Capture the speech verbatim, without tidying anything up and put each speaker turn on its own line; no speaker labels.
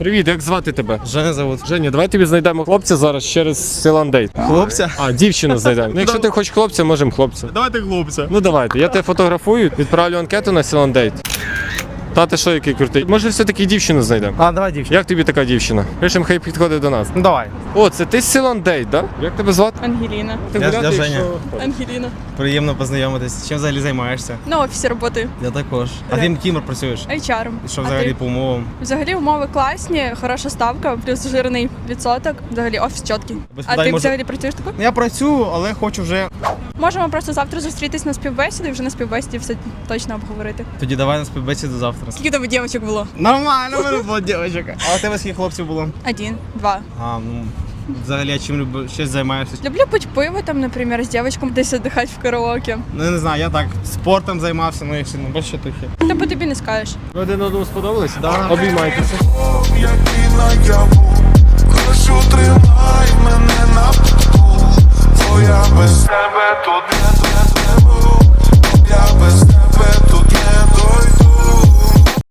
Привіт, як звати тебе?
Женя зовут.
Женя, давай тобі знайдемо хлопця зараз через Силандейт.
Хлопця?
А, дівчину знайдемо. Ну, якщо ти хочеш хлопця, можемо хлопця.
Давайте хлопця.
Ну давайте, я тебе фотографую, відправлю анкету на Силандейт. Та ти що, який крутий? Може все-таки дівчину знайдемо?
А, давай дівчина.
Як тобі така дівчина? Пишем, хай підходить до нас.
Ну давай.
О, це ти з Силандейт, да? Як тебе звати?
Ангеліна.
Ти
Я-
гуляти,
я
якщо-
Женя.
Ангеліна.
Приємно познайомитись. Чим взагалі займаєшся?
На офісі роботи.
Я також. А ти ким працюєш?
ейч ар.
І що
А
взагалі
ти?
по умовам?
Взагалі умови класні, хороша ставка, плюс жирний відсоток. Взагалі офіс чіткий.
Без
А
питань
ти
можу-
взагалі працюєш таку?
Я працюю, але хочу вже.
Можемо просто завтра зустрітись на співбесіду і вже на співбесіді все точно обговорити.
Тоді давай на співбесіду завтра.
Скільки тебе дівчинок було?
Нормально, в мене було дівчинка. А у тебе скільки хлопців було?
Один, два.
А, ну взагалі, а чим любиш? Щось займаєшся?
Люблю пить пиво там, наприклад, з дівчинком десь віддихати в караоке.
Ну я не знаю, я так спортом займався, ну якщо не більше тухи.
Та по тобі не скажеш.
Ви один одному сподобались?
Да.
Обіймайтеся.
Який наяву, прошу тримай мене на плаву, бо я без тебе тут